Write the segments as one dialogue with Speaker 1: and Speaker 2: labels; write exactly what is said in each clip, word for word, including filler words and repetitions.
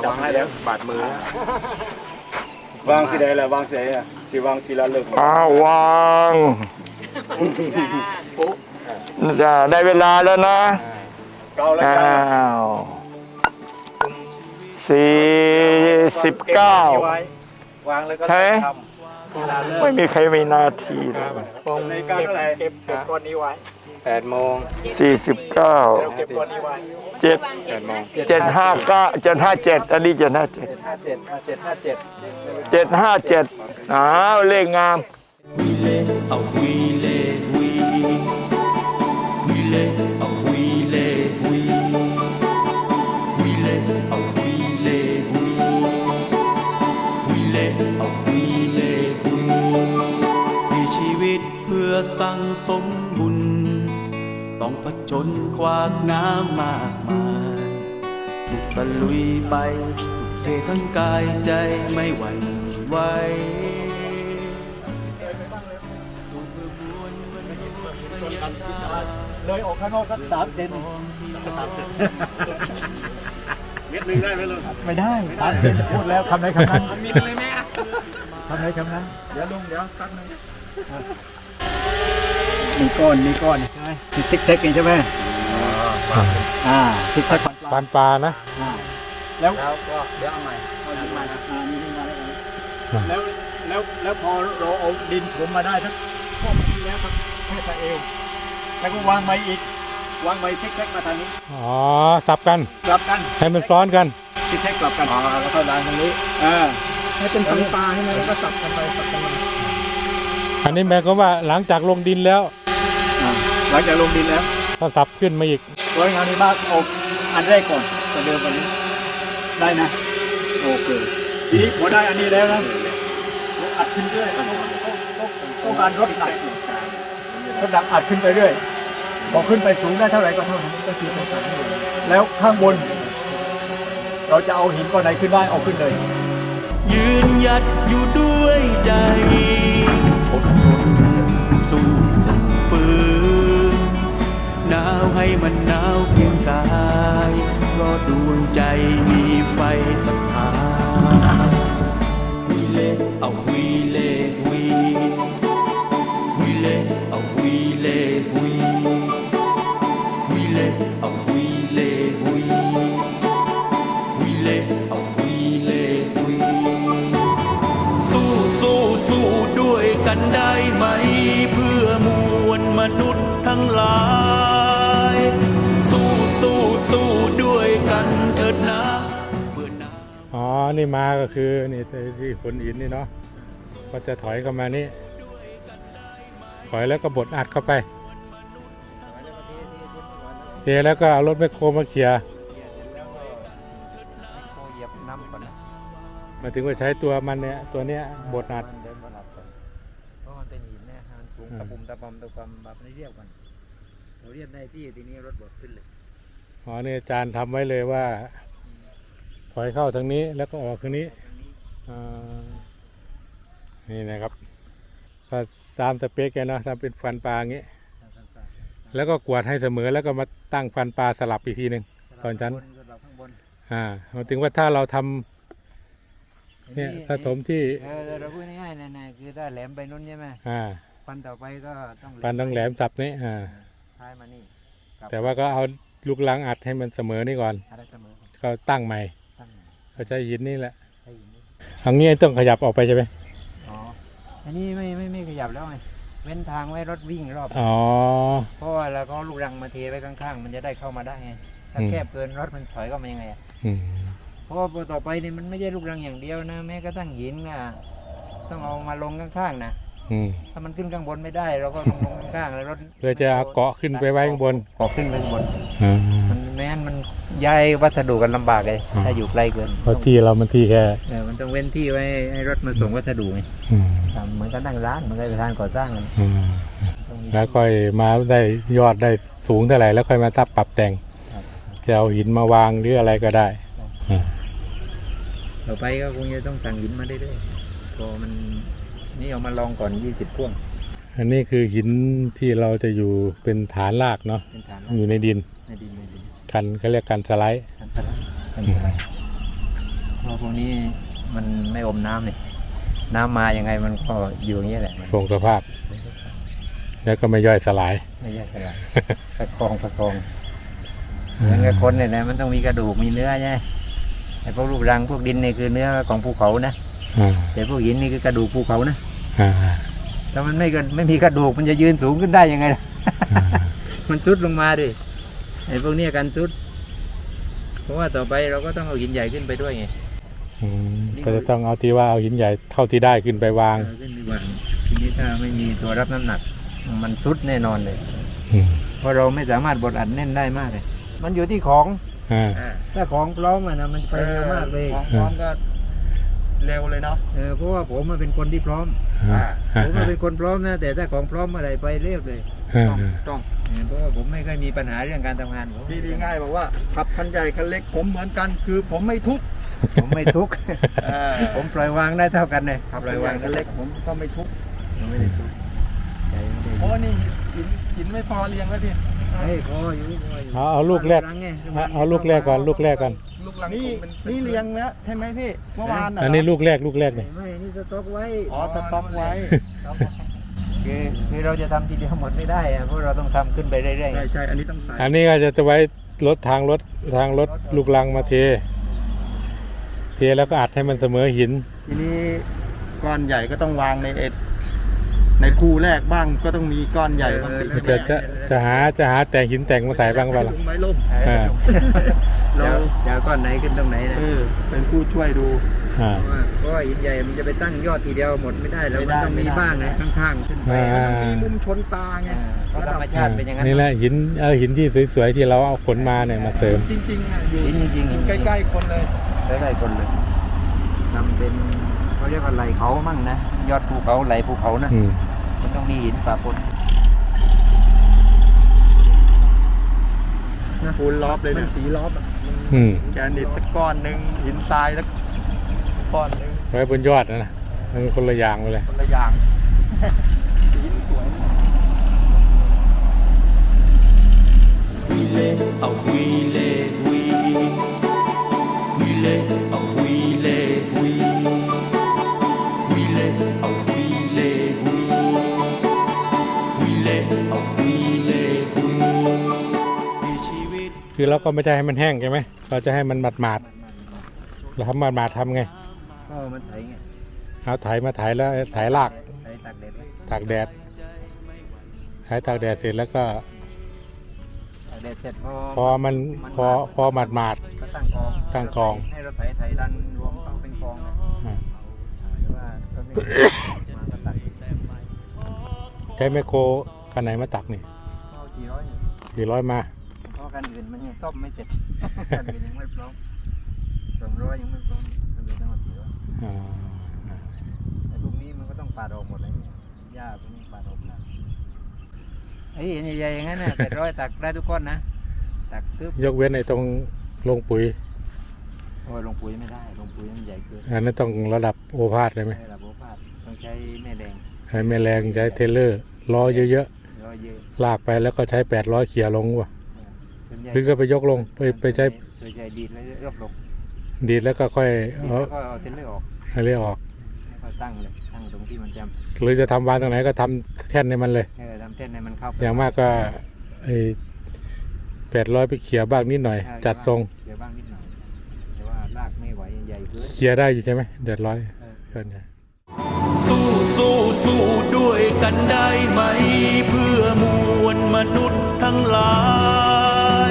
Speaker 1: จับให้แล้วบาดมือวางสีใดล่ะวางสีอ่ะสีวางสีละเลิก
Speaker 2: อ้าววางจะได้เวลาแล้วนะ
Speaker 1: เก้าแล้ว
Speaker 2: อ้าวสี่สิบเก้าว
Speaker 1: างเลยก็
Speaker 2: เฮ้ยไม่มีใครมีนาทีเลย
Speaker 1: ตรงในการเท่าไหร่เก็บเก็บก้อนนี้ไว้แปดโมง
Speaker 2: สี่สิบเก้า
Speaker 1: เก็บก้อนนี้ไว้
Speaker 2: เจ็ด
Speaker 1: แปดโมง
Speaker 2: เจ็ดห้าเก้าเจ็ดห้าเจ็ดอันนี้เจ็ดห้าเจ็ด
Speaker 1: ห้าเจ็ดเจ็ดห้าเจ็ด
Speaker 2: เจ็ดห้าเจ็ดอ้าวเลขงาม
Speaker 3: วีเล่เอาวีเล่วีวีเล่เอาวีเล่วีวีเล่เอาวีเล่วีวีเล่เอาวีเล่วีมีชีวิตเพื่อสั่งสมบุญต้องผจญขวากน้ำมากมายถูกตะลุยไปถูกเททั้งกายใจไม่หวั่นไหว
Speaker 1: เลยออกข้างนอกสักสามเซนเม็ดหนึ่งได้ไหมลุงไม่ได้สามเซนพูดแล้วคำไหนคำนั้นมีเลยแม่คำไหนคำนั้นเดี๋ยวลุงเดี๋ยวสักหนึ่งมีก้อนมีก้อนใช่ไหมมีซิกแซกเองใช่ไหมอ่าซิกแซกปานปลานะแล้วก็เดี๋ยวเอาใหม่เอาดินมาอ่ามีดินมาแล้วแล้วแล้วพอเราเอาดินผมมาได้ทั้งพวกนี้แล้วครับแค่ตะเอวแล้วก็วางใบอีกวางใบซิกแซกมาทางนี้
Speaker 4: อ๋อสับกัน
Speaker 1: สับกัน
Speaker 4: ให้มันซ้อนกัน
Speaker 1: ซิกแซกสับกันอ๋อแล้วก็ดันตรงนี้อ่าให้เป็นสันปลาใช่ไหมแล้วก็สับกันไปสับกันมา
Speaker 4: อันนี้หมายความว่าหลังจากลงดินแล้ว
Speaker 1: หลังจากลงดินแล้ว
Speaker 4: ก็สับขึ้นมาอีก
Speaker 1: โดยงานนี้มากเอาอันแรกก่อนจะเดิมกว่านี้ได้นะโอเคทีนี้พอได้อันนี้แล้วนะอัดขึ้นเรื่อยต้องการรถหนักรถหนักอัดขึ้นไปเรื่อยพอขึ้นไปสูงได้เท่าไหร่ก็เท่านั้นก็คือแล้วข้างบนเราจะเอาหินก้อนไหนขึ้นได้เอาขึ้นเลย
Speaker 3: ยืนหยัดอยู่ด้วยใจอดทนสู้ฝืนหนาวให้มันหนาวเพียงกายเพราะดวงใจมีไฟศรัทธาวีเล่เอาวีเล่วีวีเล่เอาวีเล่วีวีเล่เอาวีเล่วีวีเล่เอาวีเล่วีสู้สู้สู้ด้วยกันได้ไหมเพื่อมวลมนุษย์ทั้งหลายสู้สู้สู้ด้วยกันเถิดนะเพื่อนา
Speaker 4: อ๋อนี่มาก็คือนี่ที่ขนหินนี่เนาะก็จะถอยเข้ามานี่ถอยแล้วก็บดอัดเข้าไปเทแล้วก็เอารถแมคโครมาเขี่ยมาถึงว่าใช้ตัวมันเนี่ยตัวเนี้ยบดอัด
Speaker 1: เพราะมันเป็นหินเนี่ยมันสูงตะปุ่มตะปอมตะปอมแบบนี้เรียบกันเราเรียบในที่ทีนี้รถบดขึ้นเลย
Speaker 4: อ๋อนี่อาจารย์ทำไว้เลยว่าถอยเข้าทางนี้แล้วก็ออกทางนี้นี่นะครับถ้าตามสเปคแกนะทำเป็นฟันปลาอย่างนี้แล้วก็กวาดให้เสมอแล้วก็มาตั้งฟันปลาสลับอีกทีหนึ่งตอนชั้นอ่ามาถึงว่าถ้าเราทำเนี่ยถ้าถมที่
Speaker 1: เออเราพูดง่ายๆนะคือถ้าแหลมไปนู้นใช่ไหม
Speaker 4: อ่า
Speaker 1: ฟันต่อไปก็ต้อง
Speaker 4: ฟันต้องแหลมสับนี้อ่า
Speaker 1: ท้ายมานี่
Speaker 4: แต่ว่าก็เอาลูกลังอัดให้มันเสมอนี่ก่อนก็ตั้งใหม่ก็ใช้หินนี่แหละทางนี้ต้องขยับออกไปใช่ไหม
Speaker 1: อ๋ออันนี้ไม่ไม่ไม่ขยับแล้วไงเว้นทางไว้รถวิ่งรอบ
Speaker 4: อ๋อ
Speaker 1: เพราะว่าเราก็ลูกรังมาเทไว้ข้างๆมันจะได้เข้ามาได้ไงถ้าแคบเกินรถมันถอยก็มายังไงเพราะว่าต่อไปนี่มันไม่ใช่ลูกรังอย่างเดียวนะแม้กระทั่งหินน่ะต้องเอามาลงข้างๆนะถ้ามันขึ้นข้างบนไม่ได้เราก็ลงลงข้างๆแล้วรถ
Speaker 4: เพื่อจะเอาเกาะขึ้นไปไว้ข้างบน
Speaker 1: เกาะขึ้นไปข้างบนมันแม้นมันย้ายวัสดุกันลำบากเลยถ้าอยู่ใกล้เกิน
Speaker 4: เพราะที่เรามันที่แค่
Speaker 1: เออมันต้องเว้นที่ไว้ให้รถมาส่งวัสดุไงเหมือนกันนั่งร้านเหมือนกันทางก่อสร้างกัน
Speaker 4: แล้วค่อยมาได้ยอดได้สูงเท่าไหร่แล้วค่อยมาตับปรับแต่งจะเอาหินมาวางหรืออะไรก็ได้
Speaker 1: ต่อไปก็คงจะต้องสั่งหินมาได้ด้วยพอมันนี่เอามาลองก่อนยี่สิบพ่วง
Speaker 4: อันนี้คือหินที่เราจะอยู่เป็นฐานรากเนาะอยู่ในดิน
Speaker 1: ในดินในดิน
Speaker 4: กันเขาเรียกกันสไลด์
Speaker 1: กันสไลด์กันสไลด์
Speaker 5: เพราะพวกนี้มันไม่อมน้ำเลยน้ำมายังไงมันก็อยู่อย่างนี้แหละมัน
Speaker 4: ทรงสภาพ แล้วก็ไม่ย่อยสลาย
Speaker 5: ไม่แยกกันละประคองประคองเหมือนกับคนเนี่ยนะมันต้องมีกระดูกมีเนื้อใช่ไหมไอ้พวกรูปรังพวกดินนี่คือเนื้อของภูเขานะ
Speaker 4: อ่า
Speaker 5: แต่พวกหินนี่คือกระดูกภูเขานะ
Speaker 4: อ่า
Speaker 5: ถ้ามันไม่กันไม่มีกระดูกมันจะยืนสูงขึ้นได้ยังไงล่ะ
Speaker 4: อ่า
Speaker 5: มันซุดลงมาดิไอ้พวกเนี้ยกันซุดเพราะว่าต่อไปเราก็ต้องเอาหินใหญ่ขึ้นไปด้วยไง
Speaker 4: อืมก็จะต้องเอาที่ว่าเอาหินใหญ่เท่าที่ได้ขึ้นไปวาง
Speaker 5: เอาขึ้นไปวางทีนี้ถ้าไม่มีตัวรับน้ำหนัก มันซุดแน่นอนเลย
Speaker 4: อืม
Speaker 5: เพราะเราไม่สามารถบดอัดแน่นได้มากเลยมันอยู่ที่ของ
Speaker 4: อ่า
Speaker 5: ถ้าของพร้อมอะนะมันไปเร็วมากเลย
Speaker 1: ของพร้อมก็เร็วเลยเนาะ
Speaker 5: เออเพราะว่าผมมันเป็นคนที่พร้อม
Speaker 4: อ่า
Speaker 5: ผมมันเป็นคนพร้อมนะแต่ถ้าของพร้อมเมื่อไหรไปเร็วเลย
Speaker 4: อ่า
Speaker 1: ต้องต้อง
Speaker 5: เออเพราะว่าผมไม่เคยมีปัญหาเรื่องการทำงานผม
Speaker 1: พี่ดีง่ายบอกว่าขับคันใหญ่คันเล็กผมเหมือนกันคือผมไม่ทุกข์
Speaker 5: ผมไม่ทุกข์
Speaker 1: เออ
Speaker 5: ผมปล่อยวางได้เท่ากันเลย
Speaker 1: ขับ
Speaker 5: ปล่
Speaker 1: คั
Speaker 5: อน ยวาง
Speaker 1: ใหญ่คันเล็กผมก็ไม่ทุกข์
Speaker 5: ผมไม่ได้ทุกข์ใจไม่ได้
Speaker 1: โอ้นี่หินหินไม่พอเรียงแล้วพี่
Speaker 5: เฮ้ยพออยู่พออยู่
Speaker 4: เอาเอาลูกแรก
Speaker 5: งไง
Speaker 4: เอาเอาลูกแรกก่อนลูกแรกก่อน
Speaker 1: นี่นี่เรียงแล้วใช่ไหมพี่เมื่อวาน
Speaker 4: อันนี้ลูกแรกลูกแรกเนี่ย
Speaker 5: ไม่นี่สต็อกไว้
Speaker 1: อ๋อสต็อกไว้
Speaker 5: คือคือเราจะทำทีเดียวหมดไม่ได้อะเพราะเราต้องทำขึ้นไปเรื่อย
Speaker 1: ใช่ใช่อันนี้ต้องใส่
Speaker 4: อันนี้ก็จะจะไว้รถทางรถทางรถลูกลังมาเท เทแล้วก็อัดให้มันเสมอหิน
Speaker 1: ทีนี้ก้อนใหญ่ก็ต้องวางในเอ็ดในคู่แรกบ้างก็ต้องมีก้อนใหญ่บ้างติด
Speaker 4: จะจะจะหาจะหาแต่งหินแต่งมาใส่บ้างเปล่าล่ะ
Speaker 1: ลุงไม้ล่ม
Speaker 5: ๆ
Speaker 4: อ่า
Speaker 5: เรา
Speaker 1: เรา
Speaker 5: จะเอาก้อนไหนขึ้นตรงไหนนะ
Speaker 1: เออเป็นผู้ช่วยดู
Speaker 4: อ่า
Speaker 5: เพราะว่าเพราะว่าหินใหญ่มันจะไปตั้งยอดทีเดียวหมดไม่ได้แล้ว
Speaker 1: ไม่
Speaker 5: มัน
Speaker 1: ได้
Speaker 5: ต้องมี
Speaker 1: ไม่ได้
Speaker 5: บ้างนะข้างๆขึ้นไป
Speaker 4: อ่า
Speaker 1: มันมีมุมชนตาไง
Speaker 5: อ่าเพราะธรรมชาติเป็นอย่างนั้น
Speaker 4: นี่แหละหินเอาหินที่สวยๆที่เราเอาขนมาเนี่ยมาเสริม
Speaker 1: จริงๆอ่ะอยู่
Speaker 5: หินจริงๆหิน
Speaker 1: ใกล้ๆคนเลย
Speaker 5: ใกล้ๆคนเลยทำเป็นเขาเรียกว่าไหลเขามั่งนะยอดภูเขาไหลภูเขานะ
Speaker 4: อืม
Speaker 5: มันต้องมีหินปะปน
Speaker 1: ปูนล้อบเลย
Speaker 5: มัน
Speaker 1: เนี่ย
Speaker 5: สีล้อบอะ
Speaker 4: อืม
Speaker 1: แกนิดสักก้อนหนึ่งหินทรายสักก้อนหนึ่ง
Speaker 4: ไว้บนยอดนะนะมันคนละอย่างไปเลย
Speaker 1: คนละอย่างหินสวย
Speaker 3: Huile, a huile, hui. Huile, a huile, hui. Huile, a huile, hui. Huile, a huile, hui. มีชีวิต
Speaker 4: คือเราก็ไม่ใช่ให้มันแห้งใช่ไหมเราจะให้มันหมาดหมาดๆเราทำหมาดหมาดๆทำไง
Speaker 5: ก็มันไถไง
Speaker 4: เอาไถมาไถแล้วไถราก
Speaker 5: ไถตากแดดไว้
Speaker 4: ตากแดดไถตากแดดเสร็จแล้วก็
Speaker 5: ตากแดดเสร็จพอ
Speaker 4: พอมันพอพอหมาดหมาด
Speaker 5: ก็ตั้งกอง
Speaker 4: ตั้งกอง
Speaker 5: ให้เราไถไถดันรวมเข้าเป็นกองนะ
Speaker 4: ๆอ่า
Speaker 5: หรือว่าก็ไม่มาก็ตัก
Speaker 4: ใช้แมคโครคันไหนมาตักนี่
Speaker 5: ก็กี่ร้อยอยู่
Speaker 4: กี่ร้อยมา
Speaker 5: เพราะกันอื่นมันยังซ่อมไม่เสร็จ กันอื่นยังไม่พร้อมสองร้อยยังไม่พร้อมกันอื่นทั้งหมดสี่ร้อย
Speaker 4: อ่า
Speaker 5: แต่พวกนี้มันก็ต้องปาดออกหมดเลยเนี่ยหญ้าพวกนี้ปาดออกหมดไอ้เห็นใหญ่ๆอย่างนั้นน่ะ เป็ดร้อยตักได้ทุกก้อนนะตักปึ๊บ
Speaker 4: ยกเว้นในตรงลงปุ๋ย
Speaker 5: โอ้ยลงปุ๋ยไม่ได้ลงปุ๋ยมันใหญ่เกิน
Speaker 4: อันนั้นต้องระดับโอภาสเลยไหม
Speaker 5: ใช้ระบบพาดต้องใช้แม่แดง
Speaker 4: ใช้แม่แรงใช้เทเลอร์ล้อเยอะ
Speaker 5: ร้อยเยอะ
Speaker 4: ๆลากไปแล้วก็ใช้แปดร้อยเขี่ยลงว่ะ
Speaker 5: ส่วนใหญ่
Speaker 4: หรือก็ไปยกลงไปไปใช้
Speaker 5: ส่วนใหญ่ดีดแล้วรอบลง
Speaker 4: ดีดแล้วก็ค่อย
Speaker 5: ดีด
Speaker 4: เอา
Speaker 5: แล้วก็เอาเทนเลอร์ออก
Speaker 4: ให้เรียกออก
Speaker 5: แล้วก็ตั้งเลยตั้งตรงที่มันจะ
Speaker 4: หรือจะทำวานตรงไหนก็ทำแท่นในมันเลย
Speaker 5: เออทำเส้นให้มันเข้าไป
Speaker 4: อย่างมากก็ไอ้แปดร้อยไปเขี่ยบ้างนิดหน่อย
Speaker 5: เออ
Speaker 4: จัดทรง
Speaker 5: เดี๋ยวบ้างนิดหน่อยแต่ว่ารากไม่ไหวใหญ่เกิน
Speaker 4: เขี่ยได้อยู่ใช่ไหมเดือดร้อย
Speaker 5: เออ
Speaker 4: เกินใหญ่
Speaker 3: สู้สู้สู้ด้วยกันได้ไหม เพื่อมวลมนุษย์ทั้งหลาย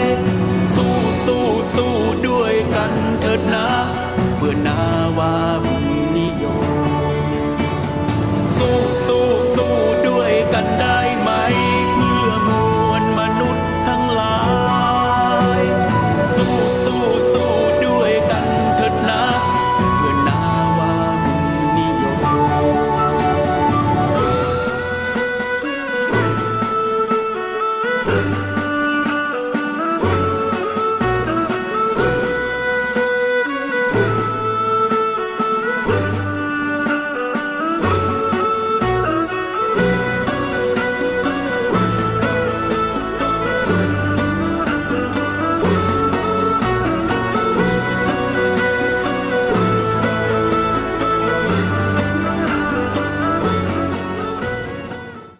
Speaker 3: สู้สู้สู้ด้วยกันเถิดนะเพื่อนาวา